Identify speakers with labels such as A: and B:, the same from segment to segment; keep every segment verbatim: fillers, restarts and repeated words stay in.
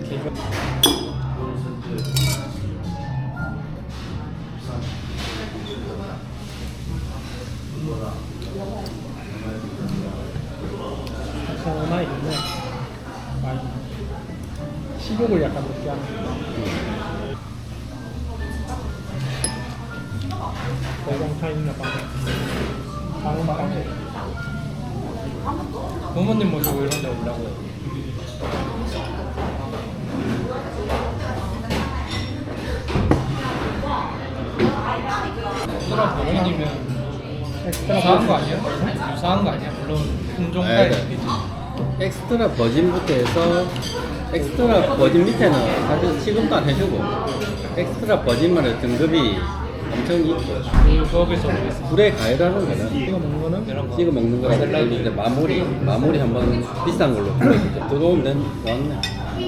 A: 하나 있네. 많이 식욕을 약간 높게 하는. 대공차 있나 봐. 방음 방음. 부모님 모시고 이런 데 오려고요. 엑스트라 버전이면 유사한 거 아니야? 유사한 거 아니야? 물론 품종까지
B: 네.
A: 있겠지.
B: 엑스트라 버진부터 해서 엑스트라 버진 밑에는 사실 취급도 안 해주고 엑스트라 버진만의 등급이 엄청 있고
A: 그거에서 모르겠어.
B: 불에 가열하는 거는
A: 이거 먹는 거는 이런 거.
B: 찍어 먹는 거라고 그리고 이제 마무리 마무리 한번 비싼 걸로 들어오면 된 좋았네.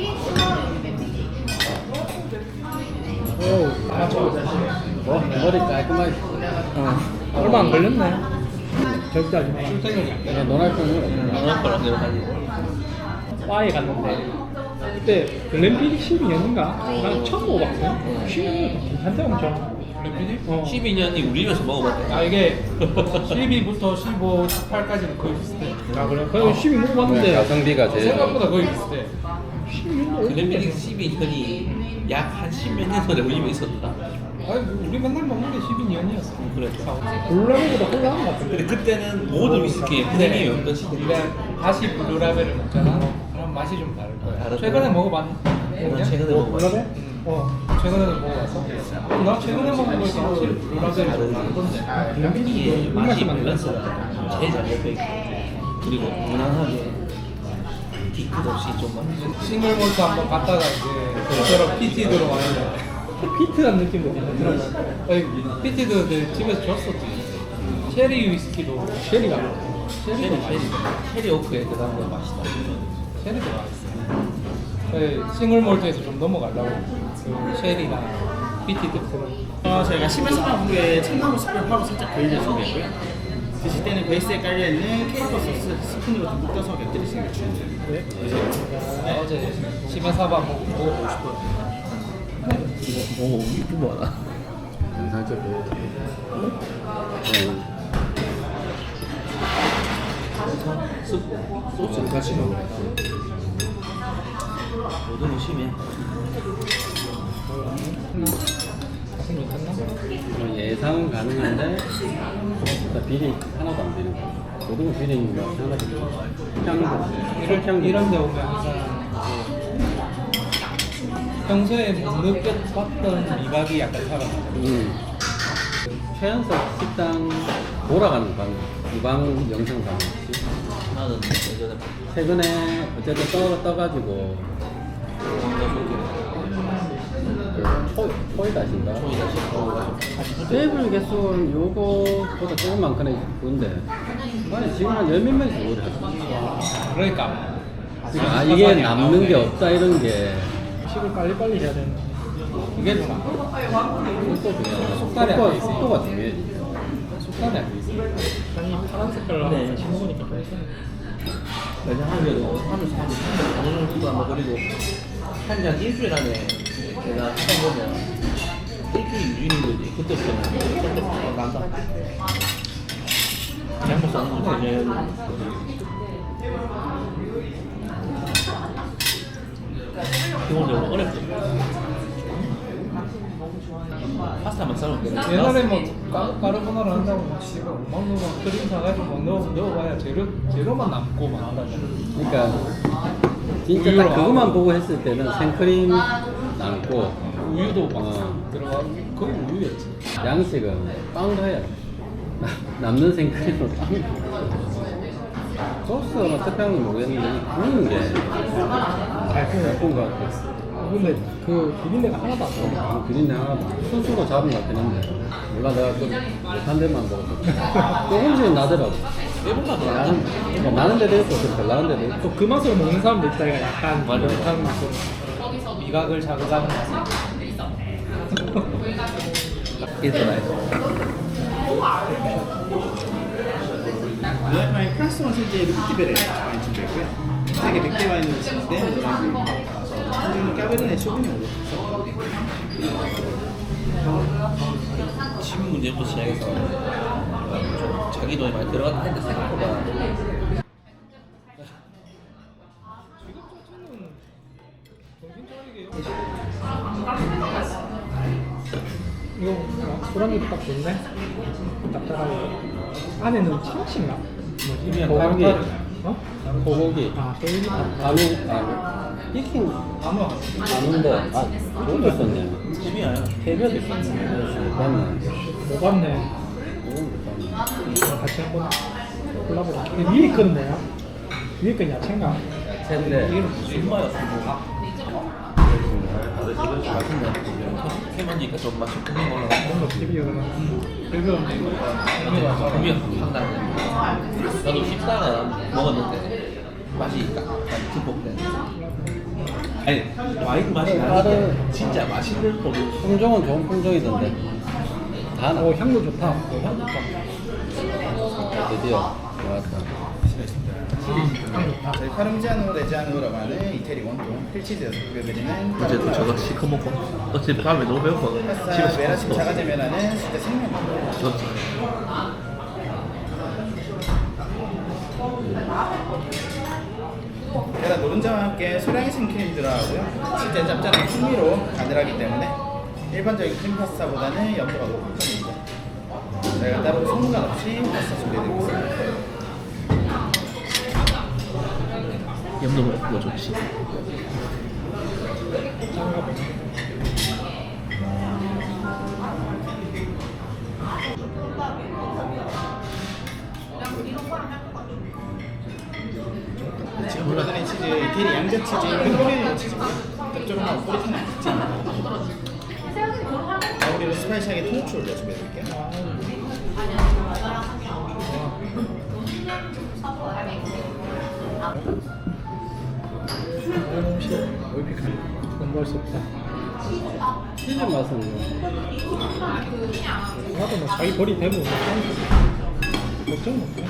A: 오, 아 좋아.
B: 뭐 머리 깔끔하게
A: 어. 얼마 안 걸렸네. 절대 하지 마. 출퇴근이 안 돼.
B: 그냥 논할 거는
A: 바에 갔는데 그때 글램피디 십이 년인가? 난 처음 먹어봤거든. 십이 년 괜찮대 엄청. 글램피디? 어.
C: 십이 년이 우리 집에서 먹어봤대.
A: 아 이게 십이부터 십오, 십팔까지는 거의 비슷해. 아 그래? 그래서 십이 먹어봤는데
B: 가성비가 제일
A: 생각보다 거의 비슷해. 십이 년도
C: 글램피디 십이 년이 약 한 십몇 년 전에 우리 집에 있었다.
A: 아니 우리 맨날 먹는 게 십이 년이었어.
C: 그랬죠.
A: 블루라벨보다 홀라한 것 같은데.
C: 근데 그때는 모든 위스키에 프리미엄이 없던 시대인데
A: 우리가 다시 블루라벨을 먹잖아. 그럼 맛이 좀 다를 거야.
C: 다를
A: 최근에
C: 거야.
A: 먹어봤니?
C: 난 최근에 먹어봤어.
A: 블루라벨? 어. 최근에 먹어봤어. 나 최근에 먹은 거에서 확실히 블루라벨이 좀 다르던데.
C: 이게
A: 맛이
C: 맛이
A: 많네.
C: 밸런스가 제일 잘 잡혀 있고 그리고 무난하게 뒤끝 없이 좀 맛있어.
A: 싱글 몰트 한번 갔다가 이제 저처럼 피티 들어와야 피트한 느낌도 괜찮더라고. 아니, 피티도 내 집에서 줬었지. 체리 위스키도 체리가
C: 체리,
A: 체리도
C: 체리,
A: 맛있어.
C: 체리 오크에 들어간 거 맛있다.
A: 체리도 맛있어. 네, 싱글 몰트에서 좀 넘어가려고 그 체리나 피티 특성을.
D: 어, 저희가 십에서 한국에 참나무 숯불 파로 살짝 그릴려 준비했고요. 드실 때는 베이스에 깔려있는 케이퍼 소스 스푼으로 좀 묶어서 곁들이시는 게 추천드립니다.
A: 네. 네. 어제 시메사바 먹어보고 싶어요.
C: 오, 이거 뭐야?
B: 영상 찍고
C: 소스 같이 먹으래. 모든 심해.
A: 가슴 괜찮나?
B: 예상은 가능한데 일단 비리 하나도 안 되는 거. 모든 거 비리인 거 하나도 없고 향, 향
A: 이런 데 오면 항상 평소에 못 느꼈던 미각이 약간 살아나요.
B: 음. 최연석 식당 돌아가는 방 유방 영상 봤지.
C: 나는 예전에
B: 최근에 어쨌든 떠 떠가지고 그 토, 토이다신가? 테이블 개수는 요거보다 조금 많거나 그런데 아니 지금 한 열 몇 명씩 오래 했어.
A: 그러니까
B: 아 이게 남는 게 없다 이런 게
A: 식을 빨리빨리 해야 되는 이게 좀
B: 속도 중요하다.
A: 속달이 안
B: 속도,
A: 돼 있어요.
B: 속도가 중요해.
A: 속담이 안 돼 있어. 아니 파란 색깔로
C: 네.
A: 신어보니까
C: 내가 하면서 하면서 하면서 어느 정도 안 먹으리고 한 장 일주일 안에 내가 해보면 일주일 유인인 거지. 그때부터는 그때부터 난다. 잘못 사는 거지. 이제 기본적으로 어렵죠. 파스타만 싸면 돼.
A: 옛날에 뭐 까르, 까르보나라 한다고 막 씨발 막 넣어 크림 사가지고 막 넣어 넣어봐야 재료 재료만 남고 막 한다고.
B: 그러니까 진짜 딱 그것만 보고 했을 때는 생크림 남고
A: 우유도 막
B: 어.
A: 들어가 거의 우유였지.
B: 양식은 빵도 해야 돼. 남는 생크림으로 빵. 소스가 특별한 건 모르겠는데 구우는 게 잘 구운 것 같아.
A: 근데 그 비린내가 하나도 안 나.
B: 어, 비린내 하나도 스스로 잡은 것 같긴 한데 몰라 내가 그 못한 데만 먹었어. 조금씩은 나더라고.
C: 일본만 더
B: 나는, 뭐 나는 데도 있고 좀 덜 나는 데도 있고
A: 또 그 맛으로 먹는 사람도 있다. 이가 약간
C: 맞아.
A: 못하는 맛으로 미각을 자극하는 맛.
D: 노래파인 프랑스 원세제 루티베레 와인 준비했고요. 색의 백 개 와인으로 드실 때 노란색 가서 지금 까베르네 쇼핑몰로.
C: 침 문제부터 시작해서 좀 자기 돈이 많이 들어갔다 했는데 생각보다
A: 이거 술안주 딱 좋네. 딱딱하게. 안에는 참치인가? 뭐지?
B: 그냥
A: 뭐,
B: 고기.
A: 어?
B: 소고기.
A: 아, 소고기.
B: 아무 아 익힌
A: 안와.
B: 아는데 아 그것도 있었네.
C: 재미야.
B: 캐비어도 있었네. 못 봤네.
A: 못 봤네.
B: 그건 못 봤네.
A: 이거 같이 한번 골라보자. 이게 위에 건 뭐야? 위에 건 야채인가?
B: 샌데
A: 이게 무슨
C: 순마야 순마. 맛있네. 해만지니까 좀 맛이 풍미 올라가.
A: 그런 거 비비어 그거 이거
C: 풍미가 확 나네. 나도 십사가 먹었는데 맛이 약간 듬뿍 아니 와인 맛이 나는데 진짜 맛있는 거로.
B: 품종은 좋은 품종이던데. 다 나.
A: 오 향도 좋다. 오, 향 좋다.
B: 드디어 좋았다.
A: 향 좋다.
D: 저희 파르미지아노 레지아노라고 하는 이태리 원종 필치즈에서 구겨드리는
C: 어제도 저거 시커 먹고 어제 밤에 너무 배고파.
D: 파스타 메라심 자가제면하는 진짜 생명.
C: 그렇지.
D: 게다가 노른자와 함께 소량의 생크림 들어가고요. 진짜 짭짤한 풍미로 가늘하기 때문에 일반적인 크림 파스타보다는 염도가 높은 편입니다. 저희가 따로 소금간 없이 파스타 준비해드리고 있습니다.
C: 염도 먹고 좋지.
D: 지금 보여드린 치즈 이태리 양자 치즈 핑크리오 치즈고요. 짭조름하고 꼬릿한 치즈. 마무리로 스파이시하게 통후추 올려 준비해드릴게요.
A: 공부할 수 없다.
B: 치즈 맛은 뭐
A: 나도 뭐 자기 벌이 되면 걱정 없네.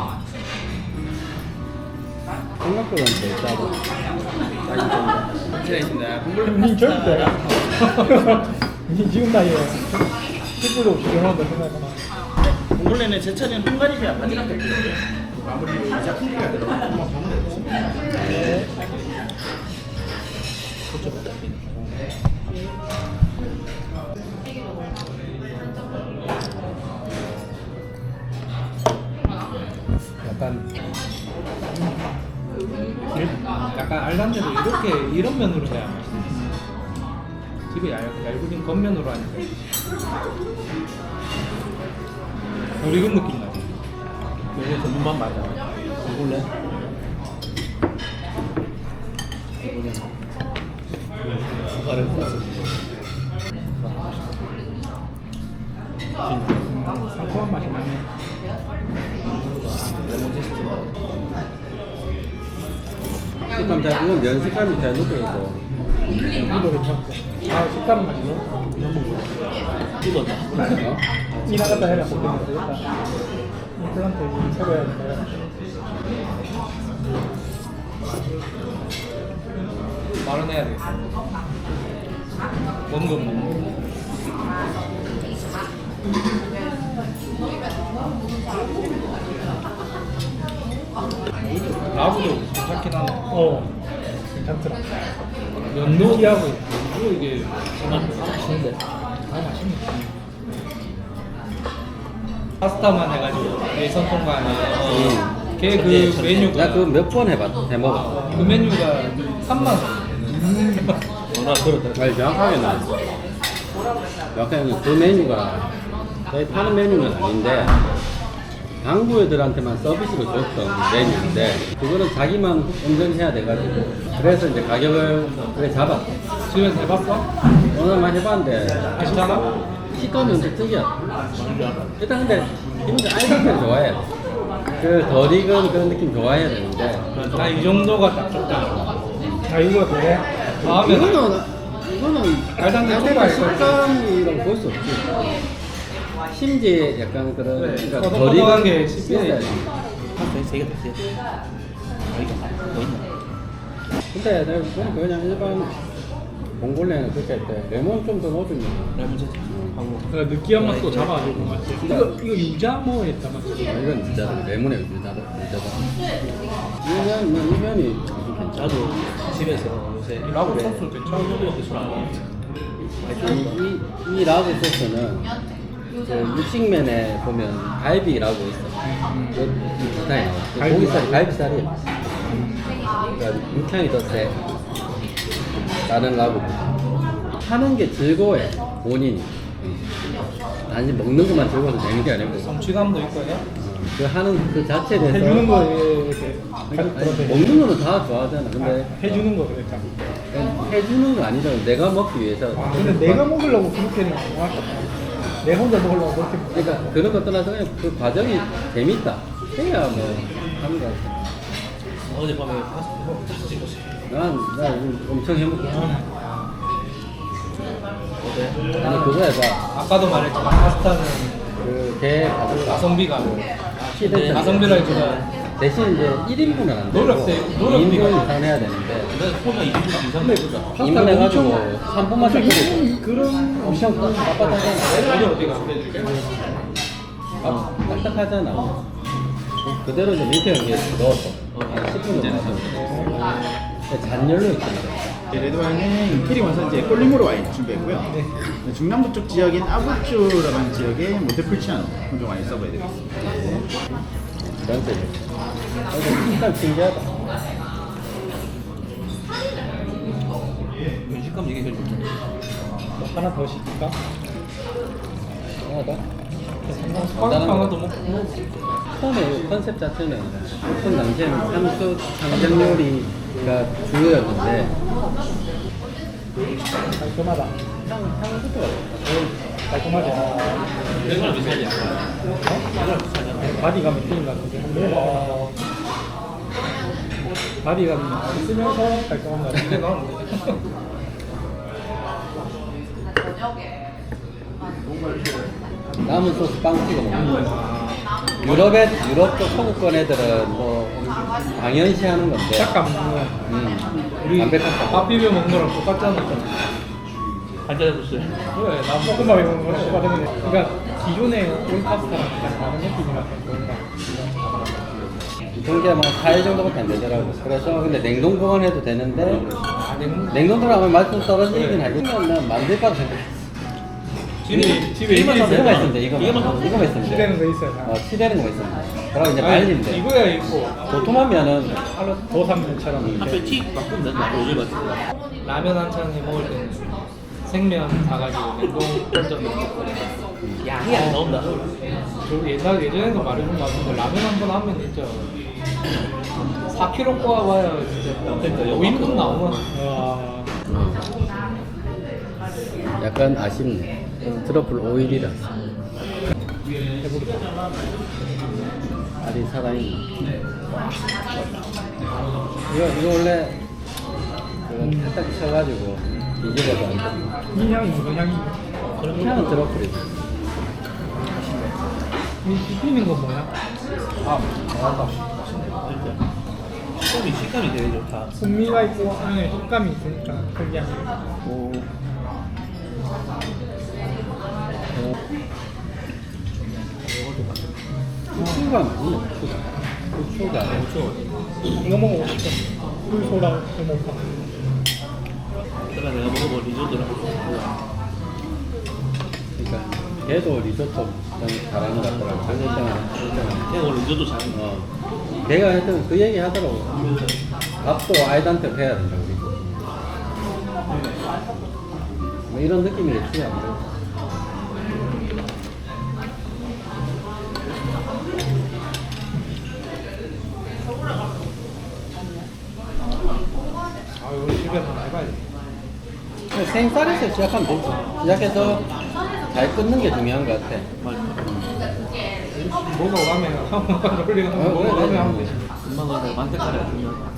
B: 생각보다는 덜 짜고 짜기 좀
D: 감사합니다. 공골
A: 니 절대. 니 지금 나이에 식구도 없이 결혼한다 생각하나.
D: 봉골레는 제철인 헝가리비아 바지락 닭고기고요. 마무리로 이자 풍미가 들어간 한번 먹어보겠습니다.
A: 약간 약간 알란데도 이렇게 이런 면으로 해야 맛있어. 집에 얇, 얇은 겉면으로 하니까 덜 익은 느낌 나지.
C: 이게 전문만 맞아. 먹을래? 수가를 먹었어.
A: 상큼한 맛이 나네.
C: 레몬 제스트.
B: 식감 잘 이건 면 식감이 잘 느껴져.
A: 이거 괜찮고. 아 색다른 맛이네.
C: 뜯었나?
B: 어?
A: 이 나갔다 해라. 그때 되겠다. 임플란트 이제 새로 해야 된다. 말은 해야 되겠어. 먹는 건 먹는 거. 라브도 괜찮긴 하네. 어, 괜찮더라. 면 느끼하고 그리고 이게
C: 맛있는데.
A: 아 맛있네. 파스타만 해가지고 예선 통과 아니야. 걔 그 메뉴가
B: 나 그거 몇 번 해봤 해먹어.
A: 그 메뉴가 삼만 원.
C: 뭐라 그렇다.
B: 아니 정확하게 나. 정확하게 그 메뉴가 저희 파는 메뉴는 아닌데 당구 애들한테만 서비스로 줬던 메뉴인데 그거는 자기만 운전해야 돼가지고 그래서 이제 가격을 그래 잡았어.
A: 집에서 해봤어?
B: 오늘만 해봤는데
A: 괜찮아?
B: 식감이 엄청 특이하다. 일단 근데 힘들 알감을 좋아해. 그 덜 익은 그런 느낌 좋아해야 되는데
A: 나 이 정도가 딱 좋다. 아 이거 그래? 다음에
B: 이거는 이거는
A: 알단데
B: 알단데
A: 초과할
B: 식감이라고 볼 수 없지. 심지에 약간 그런
A: 그래,
B: 그러니까
A: 꺼덕꺼덕한
B: 덜 익은
A: 게
B: 게
A: 씹혀야지.
B: 있어야지.
C: 세 개다 세. 아 이거 뭐 있나?
B: 근데 내가 보니까 그냥 일반 몽골레는 그렇게 할 때 레몬 좀 더 넣어주면
C: 레몬 채 하고
A: 그러니까 느끼한 맛도 잡아주고 맞지? 이거 이거 유자모에다 맞지?
B: 아, 이건 진짜 레몬에 유자다 유자다. 이면 뭐 이면이 괜찮아.
C: 나도 집에서 요새
A: 라고 소스 괜찮아?
C: 이렇게 술안 먹어.
B: 이, 이, 이 라구 소스는 그 육식면에 보면 갈비라고 있어. 그 비슷해. 그
A: 갈비.
B: 고기살이 갈비살이야. 그러니까 육향이 더 세. 다른 라구. 하는 게 즐거워해. 본인이. 단지 먹는 것만 즐거워서 내는 게 아니고.
A: 성취감도 있고 해?
B: 그 하는 그 자체에 대해서
A: 해주는 거에 이렇게
B: 아니, 먹는 거는 다 좋아하잖아. 근데
A: 해주는 거 그러니까.
B: 해주는 거 아니잖아. 내가 먹기 위해서.
A: 아, 근데 내가 먹으려고 그렇게는 안 좋아할 내 혼자 먹으려고 그렇게 먹
B: 그러니까 그런 것 떠나서 그냥 그 과정이 재밌다. 해야 뭐 하는 거 같아.
C: 어젯밤에 파스타 찍었어요.
B: 난, 나 요즘 엄청 행복해.
C: 어때?
B: 아니 그거 해봐.
A: 아까도 말했지만 파스타는
B: 그개 가져가.
A: 가성비가
B: 시대
A: 가성비를 주는
B: 대신 이제 일 인분은 안 되고
A: 노력세- 노력비가
B: 이 인분 이상 해야 되는데
C: 내가 소가 이 분 이상 먹거든.
B: 이 인분 해가지고 삼 분만 딱 끓이고
A: 그런
B: 엄청 빡빡하잖아.
A: 어디 어디가
B: 아, 딱딱하잖아. 그대로 이제 밀폐 용기에 넣어서 한 십 분 정도 놔둬. 잔열로 있잖아.
D: 네, 레드와인은 임페리 원산지의 꼴리모로 와인 준비했고요. 네, 중남부 쪽 지역인 아부쭈라고 하는 지역의 몬테풀치아노 품종 와인 서브해드리겠습니다.
B: 전체. 일단 신기하다.
C: 식감 얘기해 줘.
A: 뭐 하나 더 시킬까?
B: 하나 더?
A: 스파게티 하나 더 먹고
B: 처음에 컨셉 자체는 오픈 당시에는 한국 상점 요리가 주요였는데
A: 깔끔하다.
B: 향, 향부터가
A: 깔끔하지?
C: 이거랑 비슷하지 않아? 이거랑 비슷하지 않아?
A: 바디감이 틀린 것 같은데 한번 먹어봐. 바디감이 있으면서 깔끔한 것 같은데
B: 남은 소스 빵 찍어 먹는 거야. 유럽의 유럽 쪽 서구권 애들은 뭐 당연시 하는 건데.
A: 딱 먹는 거야.
B: 음.
A: 우리
B: 담백한
A: 밥 비벼 먹는 거랑 똑같잖아.
C: 한잔 해줬어요.
A: 그래, 나 볶음밥 이런 거랑 똑같은 거. 그러니까 기존의 올 파스타랑 약간 다른 느낌이라서 그런가.
B: 그게 뭐 사 일 정도밖에 안 되더라고. 그래서 근데 냉동 보관해도 되는데
A: 아, 냉
B: 냉동 들어가면 맛 좀 떨어지긴 하겠지만 난 만들 거라 생각해.
A: 집에 집에
C: 이거만
A: 이게
C: 사면
B: 이거만
C: 되나?
B: 있으면 돼. 이거만.
C: 이거만 사면
B: 이거만 있으면 돼.
A: 치대는 거 있어요.
B: 어, 치대는 거 있으면 돼. 그러고 이제
A: 아니,
B: 말리면 돼.
A: 이거야 있고
B: 도톰하면은
A: 도삼면처럼
C: 앞에 티 바꾸면 되나? 요즘 같은
A: 라면 한 찬에 먹을 때는 생면 사가지고 냉동 던져 넣고
C: 양이 안 나온다.
A: 저 옛날 예전에도 말해준 것 같은데 라면 한 번 하면 진짜 사 킬로그램 꼬아봐야 진짜
C: 그러니까
A: 오 인분 나오나?
B: 약간 아쉽네. 트러플 오일이라. 알이 살아있네. 이거, 이거 원래 그거 살짝 쳐가지고 뒤집어서 안 돼.
A: 이 향이 무슨 향이?
B: 향은 트러플이지.
A: 이 씹히는 건 뭐야? 아, 맞다.
C: 소이 식감이 되게 좋다.
A: 풍미가 있고 안에 식감이 있으니까 그게 아니라
B: 오. 후추가 많이 후추가. 후추가.
A: 이거 먹어보고 싶어. 꿀소라 해먹을까?
C: 내가 내가 먹어본 리조또랑
B: 그러니까 걔도 리조또 좀 잘하는 것 같더라고. 한일장은
C: 걔가 원래 리조또 잘하는 거.
B: 어. 내가 하여튼 그 얘기 하더라고. 밥도 아이들한테 해야 된다 우리. 뭐 이런 느낌이겠지 아무래도.
A: 아, 이거 집에서 한번 해봐야 돼.
B: 생쌀에서 시작하면 되지. 시작해서 잘 끊는 게 중요한 것 같아.
A: 먹어가면 한번 돌리고
B: 어,
A: 먹어가면
B: 그래,
A: 하면
B: 그래.
A: 되지.
C: 엄마가 내가 만테카레 주면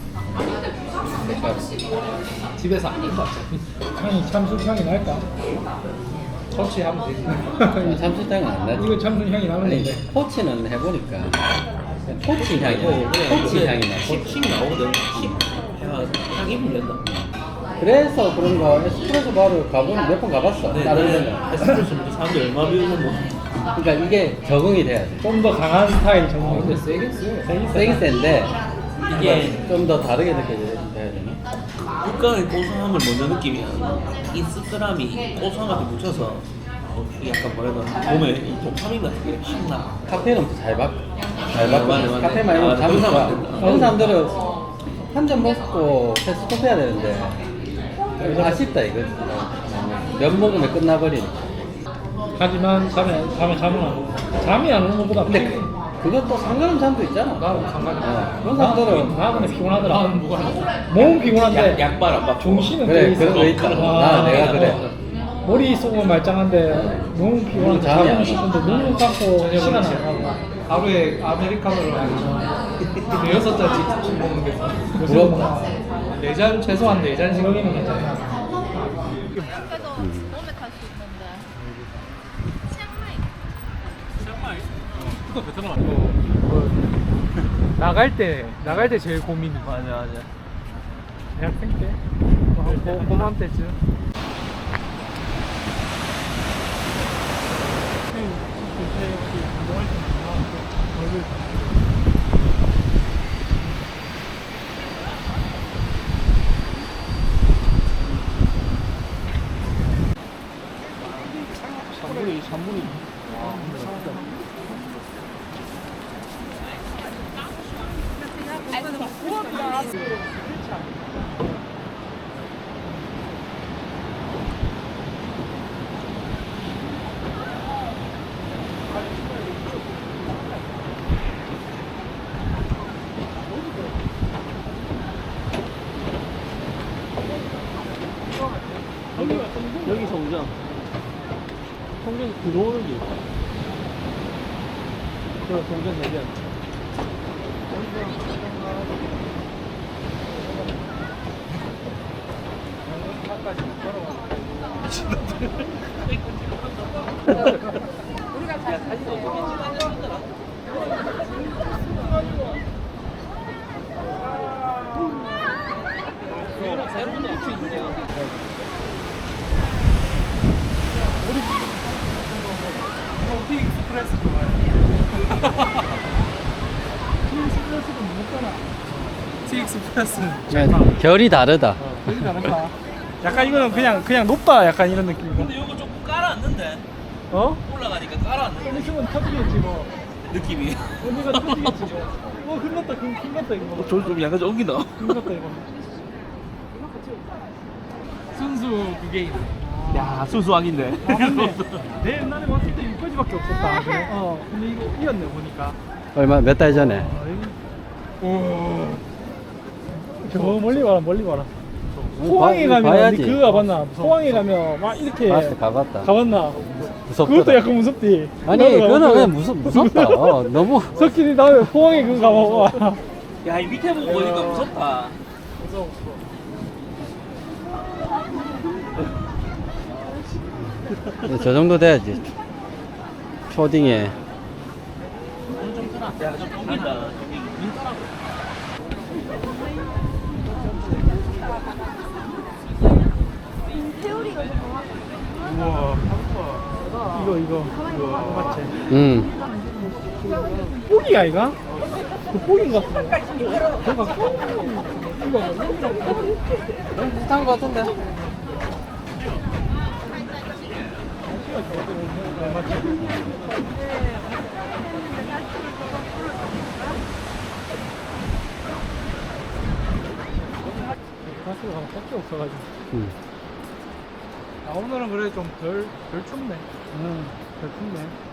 A: 집에서 안 된다. 향이 참숯 향이 날까? 터치하면 되지.
B: 참치탕은 안 나지.
A: 이거 참숯 향이
B: 아니
A: 나는데.
B: 토치는 해보니까 토치 향이 나. 토치 향이 나.
C: 십 나오거든. 십 해가 향이 많이 풀린다.
B: 그래서 그런 거 에스프레소 바를 가본 몇 번 가봤어.
C: 네,
B: 다른
C: 네.
B: 데는.
C: 에스프레소 뭐 사람들 얼마 비우는 뭐.
B: 그러니까 이게 적응이 돼야 돼.
A: 좀 더 강한 스타일 정도.
C: 근데 세긴 세.
B: 세긴 센데
C: 이게
B: 좀 더 다르게 느껴져야 되나?
C: 육각의 고소함을 먼저 느끼면 이 씁쓸함이 고소함한테 묻혀서 어, 이게 약간 뭐라 해야 되나 몸에 이 도파민 같은 게 확 나.
B: 카페는 잘 받, 잘
C: 아,
B: 받고
C: 맞네, 맞네.
B: 카페 많이 먹으면
C: 아,
B: 잠이
C: 그런
B: 와.
C: 사람 많다.
B: 그런 사람들은 한 잔 먹고 스톱 해야 되는데 아쉽다 이거. 몇 먹으면 끝나버리니까.
A: 하지만 잠에 잠에 잠은 안 오고. 잠이 안 오는 것보다
B: 근데
A: 피곤해.
B: 그, 그것도 상관없는 사람도 있잖아.
A: 나는 상관이 없어.
B: 어, 그런 사람들은
A: 나 근데 피곤하더라. 나는 뭐가 몸은 피곤한데
C: 약, 약발 안 받고.
A: 정신은
B: 그래
A: 돼 있어.
B: 그런 거 있다.
A: 아,
B: 나 내가 그래.
A: 머릿속은 말짱한데 너무 피곤한데
B: 잠이 안
A: 자고 싶은데 눈을 감고 시간 안
D: 그렇지.
A: 가고 하루에 아메리카노를 한 여섯 잔씩 먹는 게
B: 부럽다.
A: 네잔 최소한 네 잔씩 먹이면 괜찮아.
E: 그래서 몸에 탈 수 있는데. 치앙마이.
A: 그거 베트남 아니고 뭐, 나갈 때 나갈 때 제일 고민이
C: 맞아 맞아.
A: 대학생 때 고, 고만 때쯤. 삼분의 삼분의
C: 여기 성장. 성장 들어오는 게 있어. 저 성장 대변.
A: 티익스프레스 좋아해. 티익스프레스도 못 가나. 티익스프레스는
B: 결이 다르다.
A: 되게 다른가? 약간 이거는 그냥 그냥 높다 약간 이런 느낌이고.
C: 근데 이거 조금 깔아앉는데
A: 어?
C: 올라가니까 깔아앉는
A: 있으면 터지겠지 뭐.
C: 느낌이.
A: 언니가 터지겠지 뭐. 어 큰났다 큰 큰났다 이거.
C: 저좀 약간 좀 옮긴다.
A: 큰났다 이거. 순수 그게 있네.
C: 야 수수왕인데.
A: 아 맞네. 내 옛날에 왔을 때 여기까지밖에 없었다. 그래? 어. 근데 이거 이었네 보니까.
B: 얼마 몇 달 전에.
A: 아, 여기. 오. 저 멀리 봐라 멀리 봐라. 포항에
B: 봐-
A: 가면
B: 봐야지.
A: 니 그거 가봤나? 포항에 가면 막 이렇게
B: 봤어, 가봤다.
A: 가봤나?
B: 무섭더라.
A: 그것도 약간 무섭디.
B: 아니
A: 나도
B: 그거는
A: 가봤거든.
B: 그냥 무섭 무섭다. 어, 너무.
A: 석진이 다음에 포항에 그거 가봐봐.
C: 야 이 밑에 보고 보니까 무섭다.
A: 무서워 무서워.
B: 저 정도 돼야지. 초딩에.
C: 야좀 옮긴다.
E: 태우리가 좀
A: 우와. 이거 이거 이거 맞지?
B: 응.
A: 뽀기야 이가? 그 뽀기인 것 같은데. 저거 이거
B: 비슷한 거 같은데.
A: 가스가 가면 밖에 없어가지고.
B: 응.
A: 아 오늘은 그래 좀 덜 덜 춥네. 응, 덜 춥네.